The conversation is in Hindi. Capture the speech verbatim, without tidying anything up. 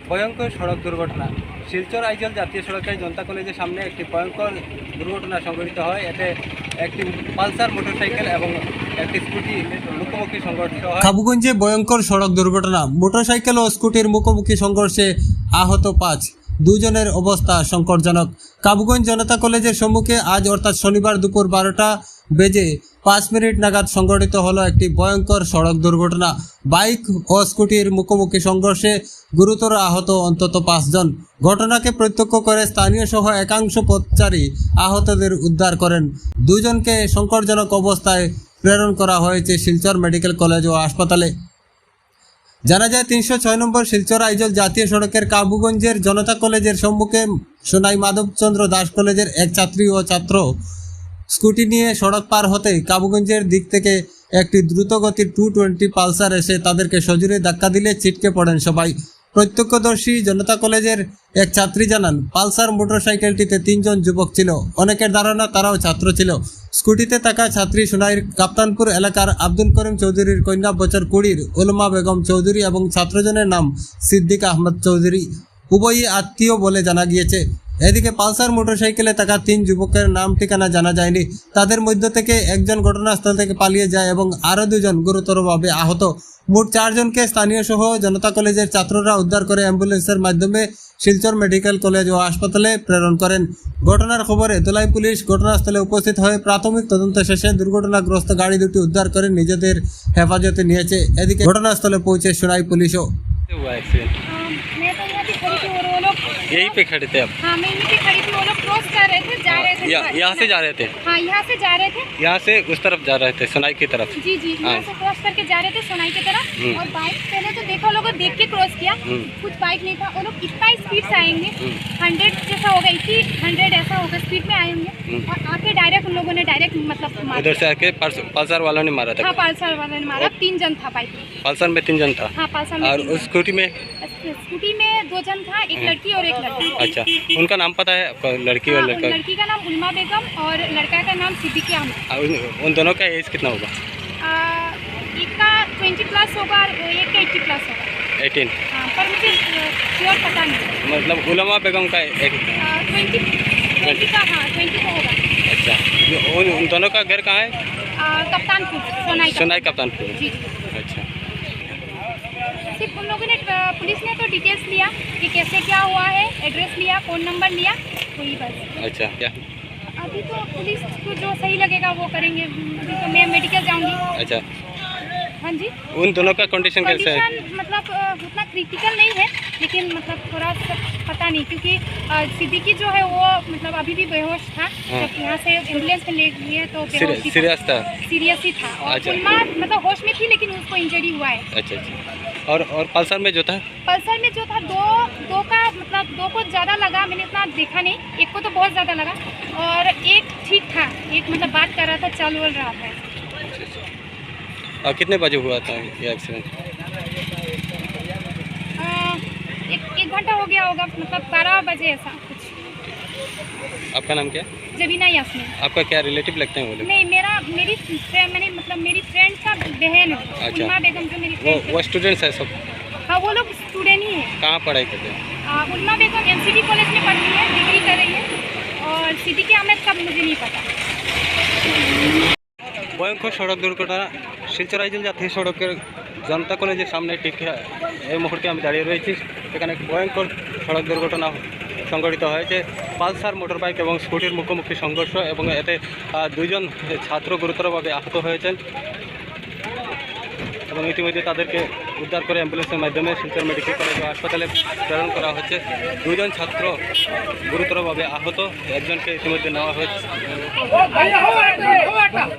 ভয়ঙ্কর সড়ক দুর্ঘটনা। শিলচর আইজল জাতীয় সড়কের জনতা কলেজের সামনে একটি ভয়ঙ্কর দুর্ঘটনা সংঘটিত হয়। এতে একটি পালসার মোটরসাইকেল এবং একটি স্কুটি মুখোমুখি সংঘর্ষ হয়। কাবুগঞ্জে ভয়ঙ্কর সড়ক দুর্ঘটনা, মোটরসাইকেল ও স্কুটির মুখোমুখি সংঘর্ষে আহত পাঁচ, দুজনের অবস্থা সংকটজনক। কাবুগঞ্জ জনতা কলেজের সম্মুখে আজ অর্থাৎ শনিবার দুপুর বারোটা বেজে পাঁচ মিনিট নাগাদ সংঘটিত হলো একটি ভয়ঙ্কর সড়ক দুর্ঘটনা। বাইক ও স্কুটির মুখোমুখি সংঘর্ষে গুরুতর আহত অন্তত পাঁচজন। ঘটনাকে প্রত্যক্ষ করে স্থানীয় সহ একাংশ পথচারী আহতদের উদ্ধার করেন। দুজনকে সংকটজনক অবস্থায় প্রেরণ করা হয়েছে শিলচর মেডিকেল কলেজ ও হাসপাতালে। জানা যায় তিনশো ছয় নম্বর শিলচর আইজল জাতীয় সড়কের কাবুগঞ্জের জনতা কলেজের সম্মুখে সোনাই মাধবচন্দ্র দাস কলেজের এক ছাত্রী ও ছাত্র স্কুটি নিয়ে সড়ক পার হতে কাবুগঞ্জের দিক থেকে একটি দ্রুতগতির টু টোয়েন্টি পালসার এসে তাদেরকে সজোরে ধাক্কা দিলে ছিটকে পড়েন সবাই। প্রত্যক্ষদর্শী জনতা কলেজের এক ছাত্রী জানান, পালসার মোটরসাইকেলটিতে তিনজন যুবক ছিল। অনেকের ধারণা তারাও ছাত্র ছিল। স্কুটিতে থাকা ছাত্রী সোনাইর কাপ্তানপুর এলাকার আব্দুল করিম চৌধুরীর কন্যা বছর কুড়ির উলমা বেগম চৌধুরী এবং ছাত্রজনের নাম সিদ্দিক আহমদ চৌধুরী। উভয়ই আত্মীয় বলে জানা গিয়েছে। এদিকে পালসার মোটরসাইকেলে থাকা তিন যুবকের নাম ঠিকানা জানা যায়নি। তাদের মধ্য থেকে একজন ঘটনাস্থল থেকে পালিয়ে যায় এবং আরও দুজন গুরুতরভাবে আহত। মোট চারজনকে স্থানীয় সহ জনতা কলেজের ছাত্ররা উদ্ধার করে অ্যাম্বুলেন্সের মাধ্যমে শিলচর মেডিকেল কলেজ ও হাসপাতালে প্রেরণ করেন। ঘটনার খবরে ধলাই পুলিশ ঘটনাস্থলে উপস্থিত হয়ে প্রাথমিক তদন্ত শেষে দুর্ঘটনাগ্রস্ত গাড়ি দুটি উদ্ধার করে নিজেদের হেফাজতে নিয়েছে। এদিকে ঘটনাস্থলে পৌঁছে সোনাই পুলিশও। हुआ एक्सीडेंट? मैं तो यहाँ पे खड़ी थी और वो लोग यहीं पे खड़े थे आप? हाँ मैं यहीं पे खड़ी थी। वो लोग क्रॉस कर रहे थे, जा रहे थे। या- यहाँ से जा रहे थे? हाँ यहाँ से जा रहे थे। यहाँ से उस तरफ जा रहे थे, सोनाई की तरफ? जी जी यहाँ हाँ। से क्रॉस करके जा रहे थे सोनाई की तरफ। हम्म। और बाइक पहले तो देखा लोगों देख के क्रॉस किया। हम्म। कुछ बाइक नहीं था। वो लोग इतना स्पीड से आएंगे, हम्म। हंड्रेड जैसा होगा, इसी हंड्रेड ऐसा होगा स्पीड में आएंगे। हम्म। और आके डायरेक्ट उन लोगों ने डायरेक्ट मतलब मारा। उधर से आके पल्स- पल्सर वालों ने मारा था? हाँ पल्सर वाले ने मारा। तीन जन था बाइक में। पल्सर में तीन जन था? हाँ पल्सर में और तीन उस जन। स्कूटी में? स्कूटी में दो जन था, एक लड़की और एक लड़का। अच्छा, उनका नाम पता है आपको, लड़की और हाँ, लड़का? लड़की का नाम उलमा बेगम और लड़का का नाम सिद्दीक अहमद। और उन, उन दोनों का एज कितना होगा? आ, एक का ट्वेंटी प्लस होगा और एक का एट्टी प्लस होगा। एटीन? हाँ, पर मुझे श्योर पता नहीं। मतलब उलमा बेगम का एक? ट्वेंटी ट्वेंटी का, हाँ ट्वेंटी का होगा। अच्छा, उन, उन दोनों का घर कहाँ है? आ, कप्तानपुर सोनाई का। सोनाई कप्तानपुर? जी अच्छा, सिर्फ उन लोगों ने आ, पुलिस ने तो डिटेल्स लिया कि कैसे क्या हुआ है, एड्रेस लिया, फ़ोन नंबर लिया, वही बस। अच्छा, क्या? अभी तो पुलिस को जो सही लगेगा वो करेंगे। अभी तो मैं मेडिकल जाऊँगी। अच्छा, हाँ जी। उन दोनों का कंडीशन कैसे है? कंडीशन मतलब अ, उतना क्रिटिकल नहीं है, लेकिन मतलब थोड़ा सा पता नहीं, क्योंकि अ, सिद्दीकी जो है वो मतलब अभी भी बेहोश था। हाँ। जब यहाँ से एम्बुलेंस में ले गए तो बेहोश ही था, सीरियस था? सीरियस ही था। और अच्छा। उलमा मतलब होश में थी, लेकिन उसको इंजरी हुआ है। अच्छा अच्छा, और और पल्सर में जो था? पल्सर में जो था दो दो का मतलब दो को ज़्यादा लगा, मैंने इतना देखा नहीं। एक को तो बहुत ज़्यादा लगा और एक ठीक था, एक मतलब बात कर रहा था, चल बोल रहा था। अच्छा अच्छा, और कितने बजे हुआ था ये एक्सीडेंट? अ, एक एक घंटा हो गया होगा, मतलब बारह बजे ऐसा कुछ। आपका नाम क्या है? जबीना यास्मीन। आपका क्या रिलेटिव लगते हैं वो लोग? नहीं, मेरा मेरी फ्रेंड, मैंने मतलब मेरी फ्रेंड का बहन है। अच्छा। उलमा बेगम जो मेरी वो फ्रेंड वो स्टूडेंट्स है सब? हाँ वो लोग स्टूडेंट ही है। कहाँ पढ़ाई करते हैं? उलमा बेगम एमसीडी कॉलेज में पढ़ती है, डिग्री कर रही है। और सिद्दीक अहमद का मुझे नहीं पता। ভয়ঙ্কর সড়ক দুর্ঘটনা শিলচর আইজল জাতীয় সড়কের জনতা কলেজের সামনে ঠিক এই মুহূর্তে আমি দাঁড়িয়ে রয়েছি। এখানে ভয়ঙ্কর সড়ক দুর্ঘটনা সংঘটিত হয়েছে। পালসার মোটর বাইক এবং স্কুটির মুখোমুখি সংঘর্ষ এবং এতে আহ, দুইজন ছাত্র গুরুতরভাবে আহত হয়েছেন এবং ইতিমধ্যে তাদেরকে উদ্ধার করে অ্যাম্বুলেন্সের মাধ্যমে শিলচর মেডিকেল কলেজ ও হাসপাতালে প্রেরণ করা হচ্ছে। দুইজন ছাত্র গুরুতরভাবে আহত, একজনকে ইতিমধ্যে নেওয়া হয়েছে।